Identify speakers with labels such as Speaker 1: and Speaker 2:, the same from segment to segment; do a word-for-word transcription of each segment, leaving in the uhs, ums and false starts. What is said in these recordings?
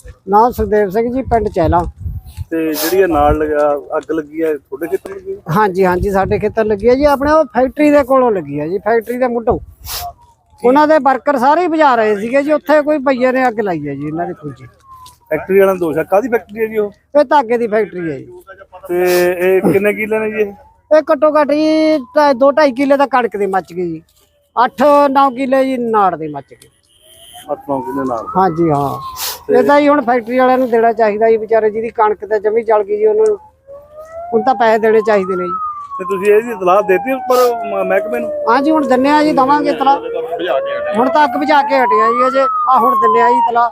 Speaker 1: नाम सुखदेव सिंह जी, पिंड चैला।
Speaker 2: ਤੇ ਜਿਹੜੀ ਇਹ ਨਾਲ ਲਗਾ ਅੱਗ ਲੱਗੀ ਹੈ ਤੁਹਾਡੇ ਖੇਤਰ ਲੱਗੀ ਹੈ?
Speaker 1: हाँ जी हाँ जी, साडे खेतर लगी है जी, अपने वो फैक्ट्री दे कोलों लगी है जी, फैक्ट्री दे मुंढों। उन्हां दे वर्कर सारे ही बुझा रहे सीगे जी, उत्थे कोई भईए ने अग लाई है जी इन्हां दी फौजी।
Speaker 2: ਫੈਕਟਰੀ ਵਾਲਾ ਦੋਸ਼ ਹੈ। ਕਾਹਦੀ ਫੈਕਟਰੀ ਹੈ ਜੀ ਉਹ?
Speaker 1: ये धागे दी फैक्ट्री है जी।
Speaker 2: ਤੇ ਇਹ ਕਿੰਨੇ ਕਿੱਲੇ ਨੇ ਜੀ ਇਹ?
Speaker 1: ये घट्टो घट्ट जी ढाई- दो ढाई किले दा कणक दी मच गई जी, अठ नौ किले जी नाड़ दी मच गई।
Speaker 2: ਅੱਠ ਨੌ ਕਿੱਲੇ ਨਾਲ।
Speaker 1: हाँ जी हाँ, ਇਹ ਤਾਂ ਜੀ ਹੁਣ ਫੈਕਟਰੀ ਵਾਲਿਆਂ ਨੂੰ ਦੇਣਾ ਚਾਹੀਦਾ ਜੀ, ਵਿਚਾਰੇ ਜਿਹਦੀ ਕਣਕ ਤੇ ਜਮੀ ਜਲ ਗਈ ਜੀ, ਉਹਨਾਂ ਨੂੰ ਹੁਣ ਤਾਂ ਪੈਸੇ ਦੇਣੇ ਚਾਹੀਦੇ ਨੇ ਜੀ।
Speaker 2: ਤੇ ਤੁਸੀਂ ਇਹਦੀ ਇਤਲਾਹ ਦੇਤੀ ਉੱਪਰ ਮ- ਮਹਿਕਮੇ ਨੂੰ?
Speaker 1: ਹਾਂ ਜੀ ਹੁਣ ਦਿੰਨੇ ਆ ਜੀ, ਦਵਾਂਗੇ ਤਲਾ। ਹੁਣ ਤਾਂ ਅੱਗ ਬੁਝਾ ਕੇ ਹਟਿਆ ਜੀ ਅਜੇ, ਆ ਹੁਣ ਦਿੰਨੇ ਆ ਜੀ ਤਲਾ।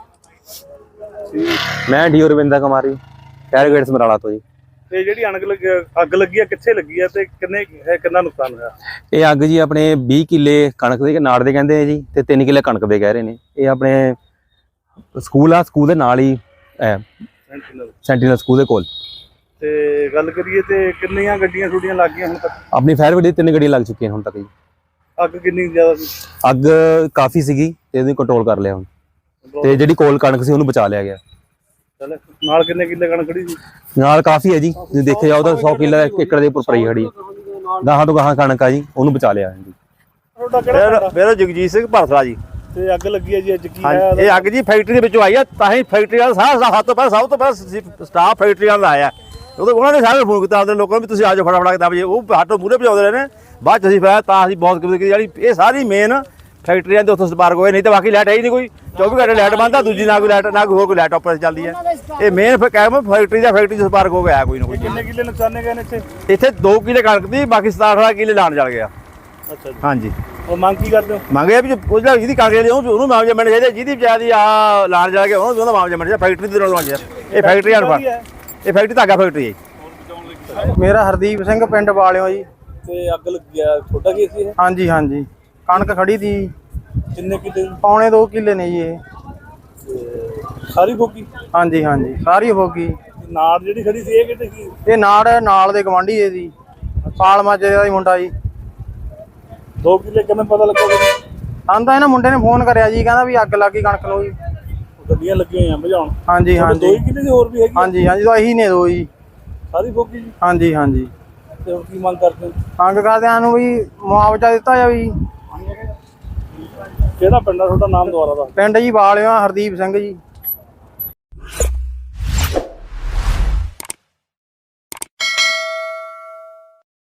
Speaker 3: ਮੈਂ D Ravinder Kumari, fire gate Samrala ਤੋਂ ਜੀ।
Speaker 2: ਤੇ ਜਿਹੜੀ ਅਣਗ ਲੱਗੀ ਅੱਗ ਲੱਗੀ ਹੈ ਕਿੱਥੇ ਲੱਗੀ ਹੈ ਤੇ ਕਿੰਨੇ ਹੈ ਕਿੰਨਾ ਨੁਕਸਾਨ ਹੋਇਆ?
Speaker 3: ਇਹ ਅੱਗ ਜੀ ਆਪਣੇ ਵੀਹ ਕਿੱਲੇ ਕਣਕ ਦੇ ਨਾੜ ਦੇ ਕਹਿੰਦੇ ਆ ਜੀ, ਤੇ ਤਿੰਨ ਕਿੱਲੇ ਕਣਕ ਦੇ ਕਹਿ ਰਹੇ ਨੇ। ਇਹ ਆਪਣੇ ਸਕੂਲ ਆ, ਸਕੂਲ ਦੇ ਨਾਲ ਹੀ
Speaker 2: ਸੈਂਟੀਨਲ।
Speaker 3: ਸੈਂਟੀਨਲ ਸਕੂਲ ਦੇ ਕੋਲ।
Speaker 2: ਤੇ ਗੱਲ ਕਰੀਏ ਤੇ ਕਿੰਨੀਆਂ ਗੱਡੀਆਂ ਛੁੱਟੀਆਂ ਲੱਗ ਗਈਆਂ ਹੁਣ ਤੱਕ?
Speaker 3: ਆਪਣੀ ਫਾਇਰ ਬ੍ਰਿਗੇਡ ਤਿੰਨ ਗੱਡੀਆਂ ਲੱਗ ਚੁੱਕੀਆਂ ਹੁਣ ਤੱਕ ਜੀ।
Speaker 2: ਅੱਗ ਕਿੰਨੀ ਜ਼ਿਆਦਾ ਸੀ?
Speaker 3: ਅੱਗ ਕਾਫੀ ਸੀਗੀ ਤੇ ਇਹਨੂੰ ਕੰਟਰੋਲ ਕਰ ਲਿਆ ਹੁਣ, ਤੇ ਜਿਹੜੀ ਕੋਲ ਕਣਕ ਸੀ ਉਹਨੂੰ ਬਚਾ ਲਿਆ ਗਿਆ।
Speaker 2: ਚੱਲ ਨਾਲ ਕਿੰਨੇ ਕਿੱਲੇ ਕਣਕ ਖੜੀ ਸੀ?
Speaker 3: ਨਾਲ ਕਾਫੀ ਹੈ ਜੀ, ਜੇ ਦੇਖਿਆ ਜਾਓ ਤਾਂ ਸੌ ਕਿੱਲਾ ਇੱਕ ਏਕੜ ਦੇ ਉੱਪਰ ਪਈ ਖੜੀ ਹੈ। ਗਾਹਾਂ ਤੋਂ ਗਾਹਾਂ ਕਣਕ ਆ ਜੀ, ਉਹਨੂੰ ਬਚਾ ਲਿਆ ਜੀ।
Speaker 2: ਤੁਹਾਡਾ ਕਿਹੜਾ?
Speaker 4: ਮੇਰਾ ਜਗਜੀਤ ਸਿੰਘ ਭਰਸਲਾ ਜੀ।
Speaker 2: ਤੇ ਅੱਗ ਲੱਗੀ ਹੈ ਜੀ ਅੱਜ ਕੀ ਹੈ?
Speaker 4: ਹਾਂਜੀ, ਇਹ ਅੱਗ ਜੀ ਫੈਕਟਰੀ ਦੇ ਵਿੱਚੋਂ ਆਈ ਆ, ਤਾਂ ਹੀ ਫੈਕਟਰੀ ਵਾਲਾ ਸਾਰਾ ਸਭ ਤੋਂ ਪਹਿਲਾਂ ਸਭ ਤੋਂ ਪਹਿਲਾਂ ਸਟਾਫ ਫੈਕਟਰੀ ਵਾਲਾ ਆਇਆ। ਉਹਦੇ ਉਹਨਾਂ ਨੇ ਸਾਰੇ ਫੋਨ ਕੀਤਾ ਆਪਣੇ ਲੋਕਾਂ ਨੂੰ ਵੀ ਤੁਸੀਂ ਆ ਜਾਓ ਫਟਾਫਟ ਕਿਤਾਬ ਜੀ। ਉਹ ਹੱਥੋਂ ਮੂਹਰੇ ਭਜਾਉਂਦੇ ਰਹੇ ਨੇ, ਬਾਅਦ ਚ ਅਸੀਂ ਫਿਰ ਤਾਂ ਅਸੀਂ ਬਹੁਤ ਕਿਤੇ ਜਿਹੜੀ ਇਹ ਸਾਰੀ ਮੇਨ ਫੈਕਟਰੀਆਂ ਦੇ ਉੱਥੋਂ ਸਪਾਰਕ ਹੋਏ, ਨਹੀਂ ਤਾਂ ਬਾਕੀ ਲਾਈਟ ਹੈ ਹੀ ਨਹੀਂ ਕੋਈ। ਚੌਵੀ ਘੰਟੇ ਲਾਈਟ ਬੰਦ ਆ, ਦੂਜੀ ਨਾ ਕੋਈ ਲਾਈਟ ਨਾ ਕੋਈ ਹੋਰ ਕੋਈ ਲਾਈਟ ਆਪਰੇਟ ਚੱਲਦੀ ਹੈ। ਇਹ ਮੇਨ ਕਹਿ ਫੈਕਟਰੀ ਦਾ ਫੈਕਟਰੀ ਚ ਸਪਾਰਕ ਹੋ ਗਿਆ ਕੋਈ ਨਾ ਕੋਈ।
Speaker 2: ਕਿੰਨੇ ਕਿੱਲੇ ਨੁਕਸਾਨੇ ਗਏ ਨੇ ਇੱਥੇ?
Speaker 4: ਇੱਥੇ ਦੋ ਕਿੱਲੇ ਕਣਕ ਦੀ, ਬਾਕੀ ਸਤਾਰਾਂ ਅਠਾਰਾਂ ਕਿੱਲੇ ਲਾਣ ਚੱਲ ਗਿਆ।
Speaker 2: ਅੱਛਾ ਜੀ।
Speaker 4: ਹਾਂਜੀ,
Speaker 2: ਉਹ ਮੰਗ ਕੀ ਕਰਦੇ ਹੋ?
Speaker 4: ਮੰਗਿਆ ਵੀ ਉਹ ਜਿਹੜਾ ਜਿਹਦੀ ਕਾਗਜ਼ ਲਈ ਉਹਨੂੰ ਮਾਮਲਾ ਮਿਲਣਾ ਚਾਹੀਦਾ, ਜਿਹਦੀ ਬਜਾਦੀ ਆ ਲਾਣ ਜਾ ਕੇ ਉਹਨੂੰ ਉਹਦਾ ਮਾਮਲਾ ਮਿਲਣਾ ਚਾਹੀਦਾ। ਫੈਕਟਰੀ ਦੇ ਨਾਲ ਚਾਹੀਦਾ। ਇਹ ਫੈਕਟਰੀ ਆ, ਇਹ ਫੈਕਟਰੀ ਧਾਗਾ ਫੈਕਟਰੀ ਹੈ।
Speaker 5: ਮੇਰਾ ਹਰਦੀਪ ਸਿੰਘ, ਪਿੰਡ ਵਾਲਿਓ ਜੀ।
Speaker 2: ਤੇ ਅੱਗ ਲੱਗੀ ਆ, ਤੁਹਾਡਾ ਕੀ ਸੀ ਇਹ?
Speaker 5: ਹਾਂਜੀ ਹਾਂਜੀ, ਕਣਕ ਖੜੀ ਤੀ।
Speaker 2: ਕਿੰਨੇ ਕਿੱਲੇ?
Speaker 5: ਪੌਣੇ ਦੋ ਕਿੱਲੇ ਨੇ ਜੀ ਇਹ।
Speaker 2: ਸਾਰੀ ਫੋਕੀ?
Speaker 5: ਹਾਂਜੀ ਹਾਂਜੀ, ਸਾਰੀ ਹੋ ਗਈ।
Speaker 2: ਨਾੜ ਜਿਹੜੀ ਖੜੀ ਸੀ ਇਹ ਕਿਤੇ ਸੀ?
Speaker 5: ਇਹ ਨਾੜ ਨਾਲ ਦੇ ਗਵਾਂਢੀ ਦੇ ਸੀ, ਪਾਲ ਮਾਜੇ ਦਾ ਹੀ ਮੁੰਡਾ ਜੀ।
Speaker 2: ਦੋ ਕਿੱਲੇ ਕਿਵੇਂ ਪਤਾ ਲੱਗਾ?
Speaker 5: ਸਾਨੂੰ ਤਾਂ ਇਹਨਾਂ ਮੁੰਡੇ ਨੇ ਫੋਨ ਕਰਿਆ ਜੀ, ਕਹਿੰਦਾ ਵੀ ਅੱਗ ਲੱਗ ਗਈ ਕਣਕ ਨੂੰ ਜੀ।
Speaker 2: ਗੱਡੀਆਂ ਲੱਗੀਆਂ ਹੋਈਆਂ ਬੁਝਾਉਣ।
Speaker 5: ਹਾਂਜੀ ਹਾਂਜੀ
Speaker 2: ਦੋ ਕਿੱਲੇ ਦੀ ਹੋਰ ਵੀ ਹੈਗੀ?
Speaker 5: ਹਾਂਜੀ ਹਾਂਜੀ, ਤਾਂ ਇਹੀ ਨੇ ਦੋ ਜੀ।
Speaker 2: ਸਾਰੀ ਫੋਕੀ ਜੀ?
Speaker 5: ਹਾਂਜੀ ਹਾਂਜੀ।
Speaker 2: ਤੇ ਹੁਣ ਕੀ ਮੰਗ ਕਰਦੇ ਹੋ?
Speaker 5: ਮੰਗ ਕਰਦਿਆਂ ਨੂੰ ਵੀ ਮੁਆਵਜ਼ਾ ਦਿੱਤਾ ਜਾਵੇ ਜੀ।
Speaker 2: ਕਿਹੜਾ ਪਿੰਡ ਆ ਤੁਹਾਡਾ? ਨਾਮ ਦੁਆਰਾ ਦਾ?
Speaker 5: ਪਿੰਡ ਜੀ ਵਾਲਿਓ, ਹਰਦੀਪ ਸਿੰਘ ਜੀ।